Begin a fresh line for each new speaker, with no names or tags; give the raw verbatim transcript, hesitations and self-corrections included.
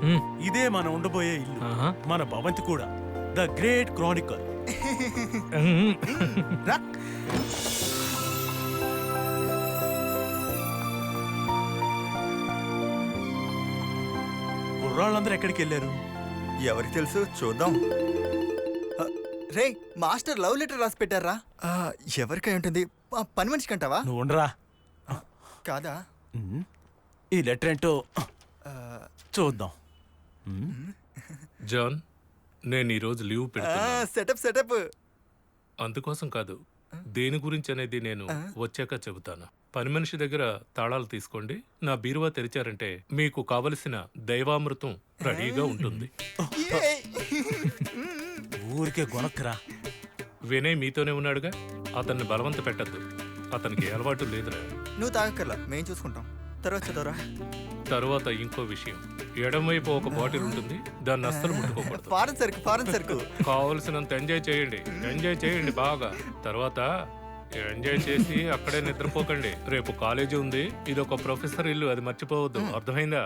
ఇదే మన ఉండబోయే ఇల్లు.
ఆహా.
మన భవంతి కూడా ద గ్రేట్ క్రానికల్.
మ్మ్.
రా.
కుర్రాళ్ళందరూ ఎక్కడికి వెళ్ళారు?
ఎవరికి తెలుసు, చూద్దాం. ఆ, రే మాస్టర్ లవ్ లెటర్ రాసి పెట్టారా? ఆ, ఎవరికై ఉంటుంది? ఆ, పని మనిషికి అంటావా?
నువ్వు ఉండరా.
కాదా?
ఉమ్, ఈ లెటర్ ఏంటో
ఆ,
చూద్దాం.
జాన్, నేను ఈరోజు లీవ్
ఆ,
పెడుతున్నాను.
Setup setup.
అందుకోసం కాదు, దేని గురించి అనేది నేను వచ్చాక చెబుతాను. పని మనిషి దగ్గర తాళాలు తీసుకోండి. నా బీరువా తెరిచారంటే మీకు కావలసిన దైవామృతం రెడీగా ఉంటుంది.
ఏయ్.
ఊరికే గొనక్కరా.
వినయ్ మీతోనే ఉన్నాడుగా, అతన్ని బలవంత పెట్టద్దు. అతనికి ఏ అలవాటు లేదురా.
నువ్వు తాగక్కర్లా, మేము చూసుకుంటాం. తర్వాత చదవరా.
తరువాత ఇంకో విషయం, ఎడమవైపు ఒక బాటిల్ ఉంటుంది, దాన్ని అస్సలు ముట్టుకోకూడదు.
ఫారెన్ సరుకు ఫారెన్ సరుకు.
కావలసినంత ఎంజాయ్ చేయండి, ఎంజాయ్ చేయండి బాగా. తర్వాత ఎంజాయ్ చేసి అక్కడే నిద్రపోకండి. రేపు కాలేజీ ఉంది, ఇది ఒక ప్రొఫెసర్ ఇల్లు, అది మర్చిపోవద్దు. అర్థమైందా?